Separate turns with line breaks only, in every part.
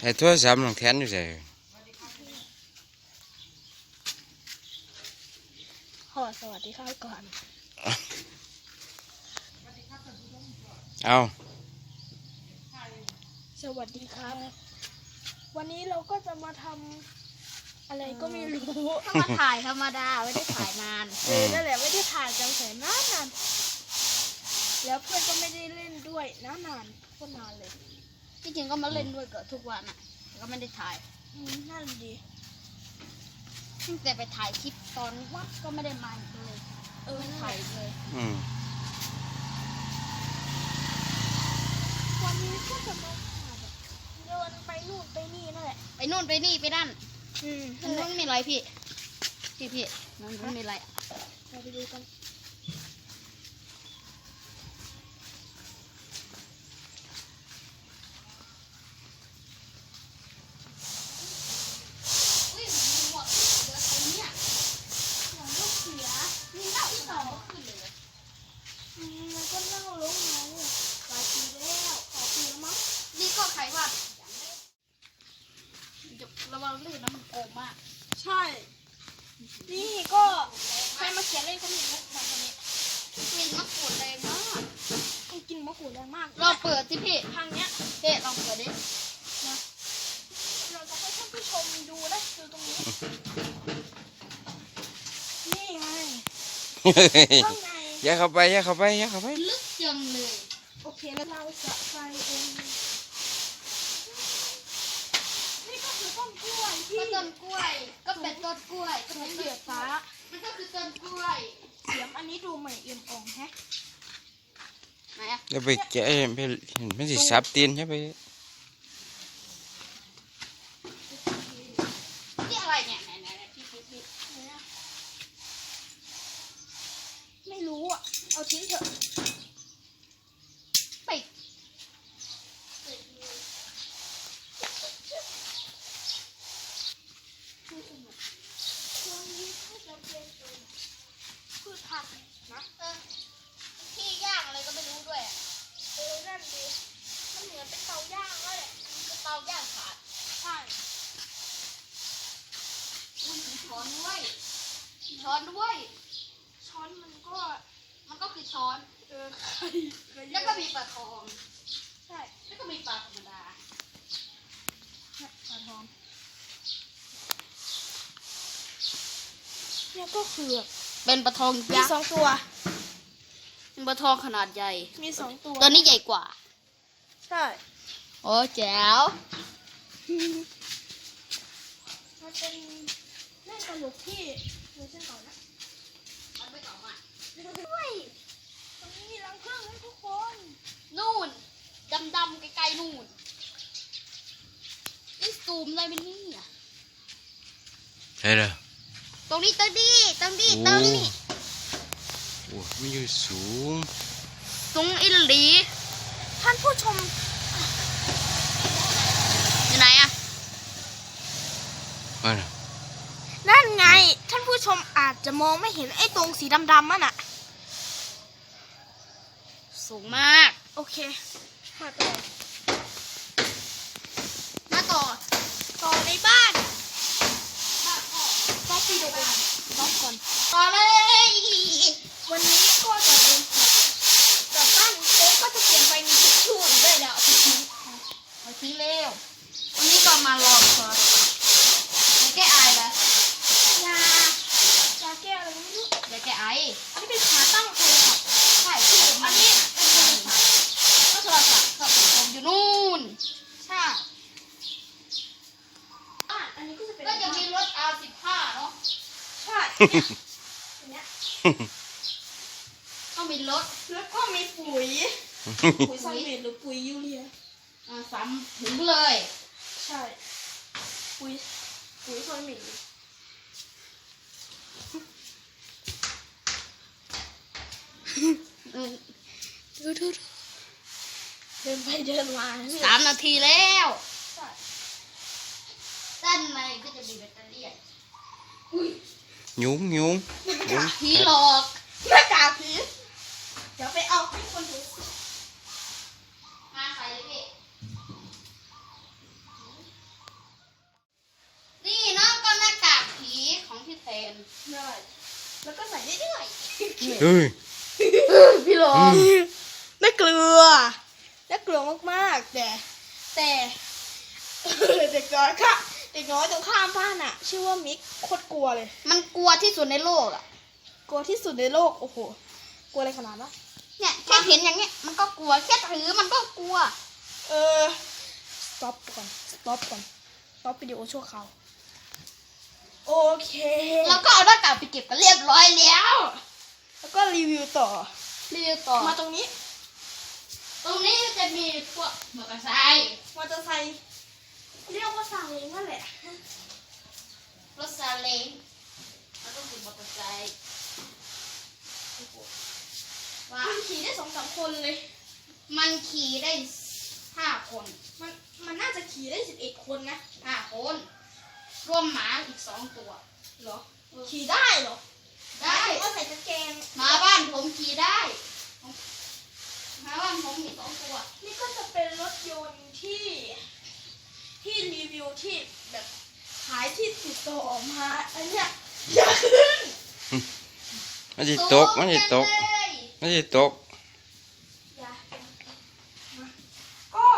ไอ้โทรศัพท์น้องแทนอยู่ไส
ขอสวัสดีครับก่อน
เอา
สวัสดีครับ วันนี้เราก็จะมาทำอะไรก็ไม่รู้
ก็มาถ่ายธรรมดาไม่ได้ถ่ายนาน
นั่นแหละไม่ได้ถ่ายกันแสนนานแล้วเพื่อนก็ไม่ได้เล่นด้วยนานก็นานเลย
ที่จริงก็มาเล่นด้วยกับทุกวันอ่ะก็ไม่ได้ถ่าย
นั่นดี
แต่ไปถ่ายคลิปตอนวัดก็ไม่ได้มาเลยไม่ถ่ายเลย
วันนี้ก็จะมาเดินไปนู่นไปนี่นั่นแหละ
ไปนู่นไปนี่ไปนั่นมันมีอะไรพี่มันมีอะไร
เราไปดูกันมันก็เน่าลงมาเนี่ยหลายปีแล้ว2 ปีแล้วมั้ง
นี่ก็ใครว่าระวังลื่นนะมันโกงมาก
ใช่นี่ก็ใครมาเขียนเล่นก็มีมุกแบบนี้
กินมะกรูดแรงมาก
กินมะกรูดแรงมาก
เราเปิดที่พี่
ทางเนี้ย
ลองเปิดดิ
นะเราจะให้ท่านผู้ชมดูนะดูตรงนี้นี่ไงข้างใน
อย่าเข้าไป
ลึกจังเลย
โอเคแล้วเราจะไปเองนี่ก็คือต้นกล้วยที่
ต้นกล้วยก็เป็นต้นกล้วย
ก็เป็นเสือฟ้า
มันก็คือต้นกล้วย
เสียมอันนี้ดูใหม่เอี่ยมอ่องแฮะ
ไหนอะ
อย่าไปแกะไม่สิสับตีนใช่ไป
นี่อะไรเนี่ยไหนพี่
ไม่รู้อ่ะเอาทิ้งเถอะ
ไป
พืชผักนะ
ที่ย่างอะไรก็ไม่รู้ด้วย
นั่นดีมันเหมือนเป็นเตาย่างแล้วแหละ
เป็นเตาย่างขาด
ใช่
มันมีช้อนด้วยช้อนมันก็คือช้อนแล้วก็มีปลาทอง
ใช่
แล้วก็มีปลาธรรมดา
ปลาทองเนี่ยก็คือ
เป็นปลาทอง
มี2 ตัว
เป็นปลาทองขนาดใหญ่
มี2 ตัว
ตัวนี้ใหญ่กว่า
ใช่
โอ้แจ๋ว
มันเป็นเล่นตลกที่เวอร์ชันเก่านะ
มันไม่เก่ามาก
ด้วยตรงนี้มีรังผึ้งให้ทุกคน
นู่นดำไกลๆนู่นนี่ซูมได้ไหมนี่
ใช่เลย
ตรงนี้โอ้
มันอยู่สูง
ตรงอิหลี
ท่านผู้ชม
อยู่ไหนอะ
นั่นไงท่านผู้ชมอาจจะมองไม่เห็นไอ้ตรงสีดำๆนั่นน่ะ
สูงมาก
โอเคมาต่อในบ้านก็ปีเดียวกันรอบก่อน
ต่อเลย
วันนี้ก็จะเป็นแต่บ้านโค้งก็จะเปลี่ยนไปมีทิชชู่ด้วยแล้ว
เอาทิ้งเร็ววันนี้ก็มาลองก่อนไม่แก้ไอเลย
ยาแก้อะไรไม่รู้
อย่าแก้ไอ
อันนี้เป็นขาตั้งโทรศัพท์
ใช่ที่
อันนี้เป็นโทรศัพท์
ก็โทรศัพท์กับผมอยู่นู่น
ใช่อันนี้ก็จะเป็น
ก็จะมีรถ R15 เนาะ
ใช่เนี่ย
ก็มีรถ
แล้วก็มีปุ๋ยซอยเม็ดหรือปุ๋ยยูเรีย
ซ้ำถึงเลย
ใช่ปุ๋ยซอยเม็ดดูเดินไปเดินมา
3 นาทีแล้วด้านในก็จะมีแบตเตอรี่
ยุ้ง
ผีหลอก
หน้ากากผีเดี๋ยวไปเอาให้คนดู
มาใส่เลยพี่น
ได้แล้วก็ใส่เรื่อย
เฮ้ย
ๆพี่หลง
ๆได้เกลือได้เกลือมากๆแต่เด็กน้อยค่ะเด็กน้อยตรงข้ามบ้านอ่ะ ชื่อว่ามิกโคตรกลัวเลย
มันกลัวที่สุดในโลกอ่ะ
กลัวที่สุดในโลกโอ้โหกลัวอะไรขนาดนั้น
เนี่ยแค่เห็นอย่างเงี้ยมันก็กลัวแค่ถือมันก็กลัว
stop ก่อน stop วิดีโอชั่วคราวโอเค
แล้วก็เอาหน้ากากไปเก็บกันเรียบร้อยแล้ว
แล้วก็รีวิวต่อ
รีวิวต่อ
มาตรงนี้
ตรงนี้จะมีพวกมอเตอร์ไซค์
มอเตอร์ไซค์เรียกว่าซาเล้งนั่นแหละ
รถซาเล้งแล้วก็คือมอเตอร์ไซค์ว้า
มันขี่ได้2-3 คนเลย
มันขี่ได้5 คน
มันน่าจะขี่ได้11 คนนะ
5 คนรวมหมาอีก2 ตัว
เหรอ ขี่ได้เหรอ
ได้
ก็ใส่กางเกง
หมาบ้านผมขี่ได้หมาบ้านผมมี2 ตัว
นี่ก็จะเป็นรถยนต์ที่รีวิวที่แบบขายที่ติดต่อมาอันเนี้ยอย่าขึ้น
มันจะตกมันจะตก
เลย
มันจะตก
อย่ามาก็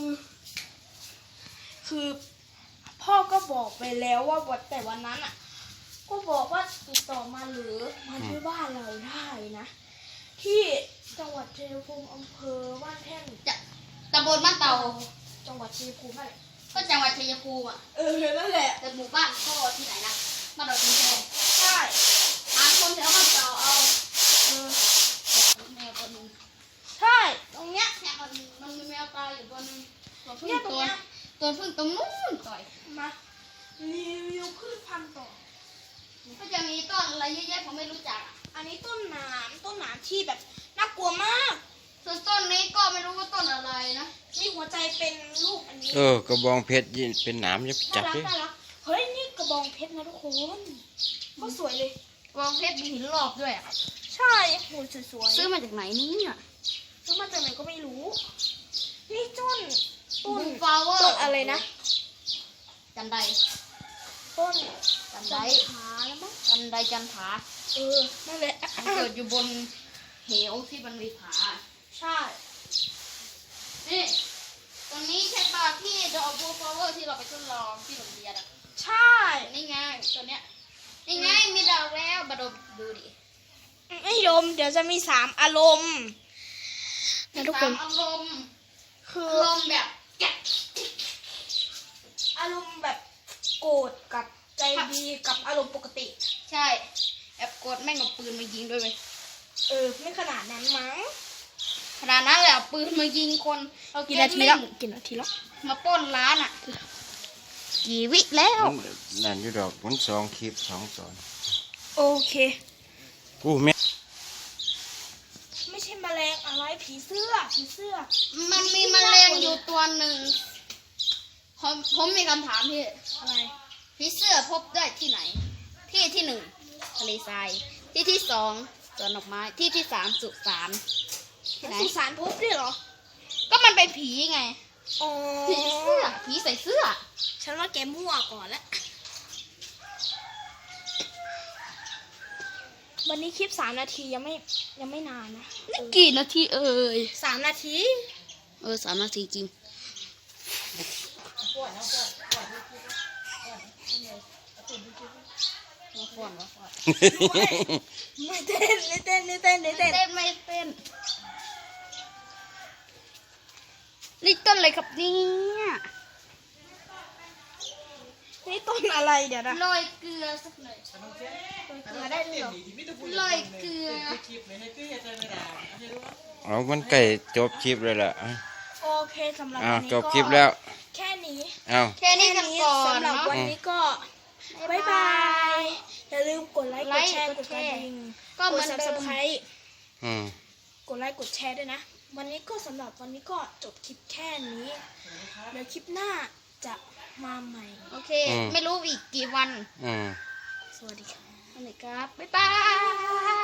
คือพ่อก็บอกไปแล้วว่าแต่วันนั้นอ่ะ ก็บอกว่าติดต่อมาหรือมาที่บ้านเราได้นะ ที่จังหวัดชัยภูมิอำเภอบ้านแท่น
จะตำบลบ้านเตา
จังหวัดชัยภูมินั่นแหละ
ก็จังหวัดชัยภูมิอ่ะ
นั่นแหละ
แต่หมู่บ้านก็ที่ไหนนะบ้านเราที่ไหน
ใช่
หาคนแถวบ้านเตาเอา
เออ
แมวตัวหนึง
ใช่ตรงเนี้ย
เนี่ยมันมีแมวตายอยู่ตัวหนึงตัวพึ่ง
เนี่ยตรง
ตัว
เนี้ย
ตัวพึ่งตรงนู้นต่อย
มารีวิวพืชพันธุ์ต่อ
ก็จะมีต้นอะไรเยอะแยะผมไม่รู้จักอะ
อันนี้ต้นหนามที่แบบน่ากลัวมาก
ส่วนต้นนี้ก็ไม่รู้ว่าต้นอะไรนะ
มีหัวใจเป็นรูปอันนี้
กระบองเพชรยินเป็นหนามจะไปจับดิ
น่ารักเฮ้ยนี่กระบองเพชรนะทุกคนก็สวยเลย
กองเพชรมีหินรอบด้วยอะ
ใช่โหสวยๆ
ซื้อมาจากไหนนี่เนี่ย
ซื้อมาจากไหนก็ไม่รู้ นี่ต้น
ฟลาวเวอร์
ต้นอะไรนะ
จันได
ต้น
จันได
ขาแล้วมั้ง
จันไดจันผา
นั่นแหละ
มันเกิดอยู่บนเหวที่มันมีผา
ใช่
นี่ตรงนี้ใช่ป่ะที่ดอกบัวฟลาวเวอร์ที่เราไปทดลองที่โรงเรียนอ่ะ
ใช่
นี่ไงตัวเนี้ยนี่ไงมีดอกแล้วมาดูดิ
ไม่ยมเดี๋ยวจะมี3 อารมณ์นะทุกคน
อารมณ์
คือ
อารมณ์แบบแกะ
อารมณ์แบบโกรธกับใจดีกับอารมณ์ปกติ
ใช่แอบกดแม่งเอาปืนมายิงด้วยไหม
ไม่ขนาดนั้นมั้ง
ขนาดนั้นแหละเอาปืนมายิงคนเอา
กี่
แก๊
นา
ส
ที
เล่
แล้ว
น
กี่นาทีแล้ว
มาปล้นร้านอ่ะกี่วิแล้ว
มันนั่นอยู่ดอกมัน2 คลิป 2 ตอน
โอเค
กูแม่
ไม่ใช่แมลงอะไรผีเสื้อ
มันมีแมลงอยู่ตัวหนึ่งผมมีคำถามพี่
อะไร
ผีเสื้อพบได้ที่ไหน ที่ 1ทะเลทรายที่ 2สวนดอกไม้ที่ 3สุสานที่ไหน
สุสานพบด้วยเหรอ
ก็มันเป็นผีไง
อ๋อ
ผีเสื้อผีใส่เสื้อ
ฉันว่าแกมั่วก่อนละวันนี้คลิป3 นาทียังไม่นานนะ
นี่กี่นาทีเอ่ย
3 นาที
3 นาทีจริงมาฟ้อนวะ
ไม่เต้น
เต้นไม่เต้นนี่ต้นอะไรครับเนี่ย
นี่ต้นอะไรเดี๋ยวนะ
โรยเกลือสักหน่อย
มาได้ด้วยเหรอ
โรยเกลือ
เอามันใกล้จบคลิปเลยล่ะ
โอเคสำหรับ
อ้าว
วันนี้
จบคลิปแล้ว
แค่นี้
เอา
แค่นี้กันก่อน
สำหรับ
เนาะ
วันนี้ก็บ๊ายบาย อย่าลืมกดไลค์ กดแชร์ กดกระดิ่ง
ก็
ก
เหมื
ด
อนเดิม
subscribe
อืม
กดไลค์ กดแชร์ด้วยนะ วันนี้ก็สำหรับวันนี้ก็จบคลิปแค่นี้ เดี๋ยวคลิปหน้าจะมาใหม่
โอเค ไม่รู้อีกกี่วัน
อืม
สวัสดีค่ะ
อะไรครับ บ๊ายบาย